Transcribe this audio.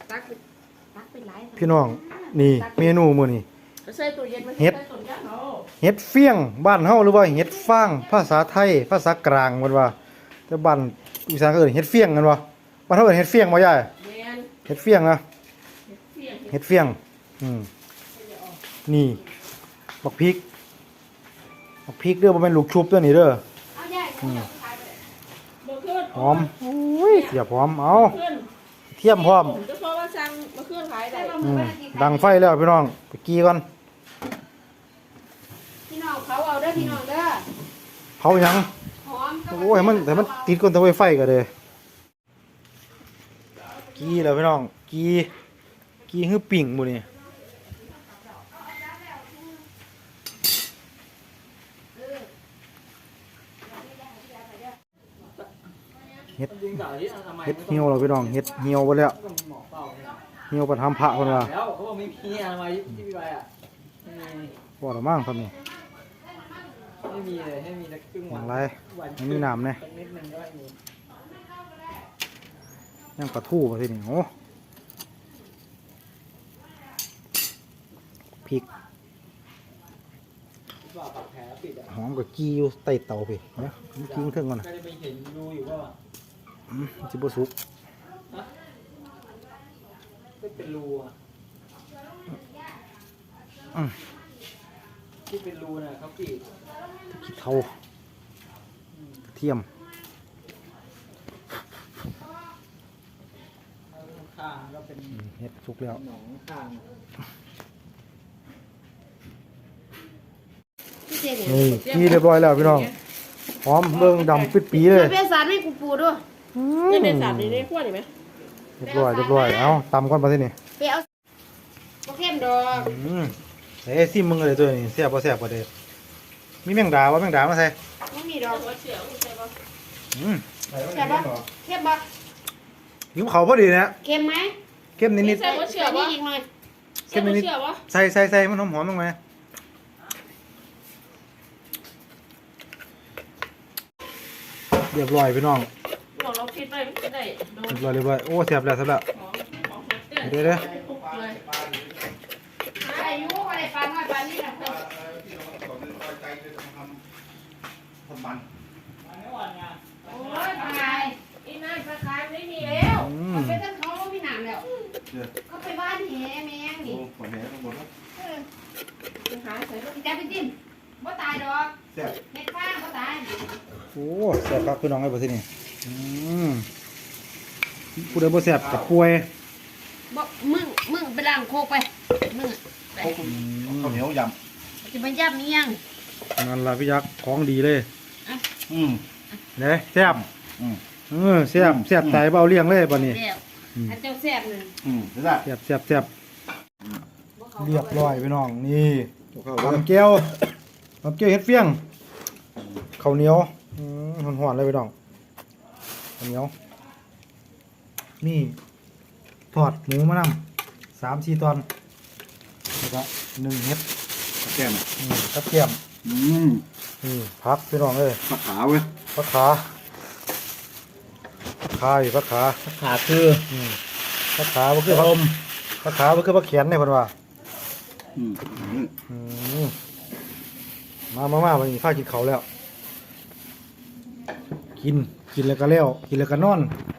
พี่น้องนี่เมนูมื้อนี้เห็ดเฟี้ยงบ้านเฮาหรือว่าเห็ดฟางภาษาไทยภาษากลางมันว่าแต่บ้านอีสานก็เอิ้นเห็ดเฟี้ยงกันบ่บ้านเฮาเอิ้นเห็ดเฟี้ยงบ่ยายเห็ดเฟี้ยงนะเห็ดเฟี้ยงนี่บักพริกเด้อบ่แม่นลูกชุบเด้อนี่เด้อหอมโอ้ยเสียบหอมเอาเทียมพร้อมดังไฟแล้วพี่น้องไปกี้ก่อนพี่น้องเขาเอาเด้อพี่น้องเด้อเผาหยังโอ้ยแต่มันติดก้นตะไฟก็เลยกี้แล้วพี่น้องกี้คือปิ่งหมดนี่เฮ็ดเหี่ยวแล้วพี่น้องเฮ็ดเหี่ยวไปแล้วเหี่ยวไปทำพระคนละแล้วเขาบอกไม่มีอะไรที่พี่ไปอ่ะบ่ละมั่งครับนี่ไม่มีเลยให้มีสักครึ่งวันอะไรไม่มีน้ำเนี่ยนิดนึงก็มียังปลาทู่มาสินี่โอ้พริกหอมกับกี้อยู่ใต้เตาไปเนี่ยมันกิ้งเครื่องก่อนนะก็จะไปเห็นดูอยู่ว่าจิบสุกก็เป็นรูอ่ะที่เป็นรูน่ะเขาปิดขี้เถ้ากระเทียมข้างก็เป็นเห็ดสุกแล้วหนองข้างนี่กี้เรียบร้อยแล้วพี่น้องหอมเบิ่งดำปิดปีเลยเป็นสารไม่กูปูด้วยนี่เป็นสารในขั้วนี่ไหมเรียบร้อยเอาตำก่อนมาสินี่ไปเอาโอเคมดอกใส่ซิมมึงเลยตัวนี้แซ่บบ่แซ่บบ่เด้มีแมงดาแมงดามาใส่ไม่มีดอกเสียวใช่ปะแซ่บปะเข้มปะหิวเขาพอดีนะเค็มไหมเค็มนิดใส่เสียวปะอีกหน่อยเค็มนิดใส่มันหอมๆลงมาเรียบร้อยพี่น้องเราคิดไปไม่ได้เรียบร้อยโอ้แซ่บแล้วเดี๋ยวอายุอะไรปลาน้อยปลานี่นะโอ้ยปลาไงอีนั่นปลาคายไม่มีแล้วมันเป็นต้นเขาไม่หนามแล้วเขาไปบ้านแหแมงนี่หาใส่จะไปจิ้มบ่ตายดอกเม็ดฟางบ่ตายโอ้แซ่บครับพี่น้องไอ้บ่สินี่ผู้ใดบ่แซ่บกับป่วยบ่มึงไปล้างโคกไปมึงข้าวเหนียวยำจะไปย่ำนี่ยังนั่นล่ะพี่ยักษ์ของดีเลยเนี่ยแซ่บแซ่บตายเบาเลี้ยงเลยบัดนี้อันเจ้าแซ่บนึงแซ่บเรียบร้อยพี่น้องนี่ทำแก้วเฮ็ดเฟี้ยงข้าวเหนียวหอนๆเลยพี่น้องข้าวเหนียวนี่ทอดหมูมะนำ3-4 ตอนแล้วก็1 เฮ็ดกับแก้มกับเทียมนี่พักพี่น้องเลยผักขาเว้ยผักขาอยู่ผักขาคือผักขาก็คือผักขาก็คือผักแขนเนี่ยเพิ่นว่ามาวันนี้ฟ้ากินเขาแล้วกินแล้วก็แล้วกินแล้วก็นอน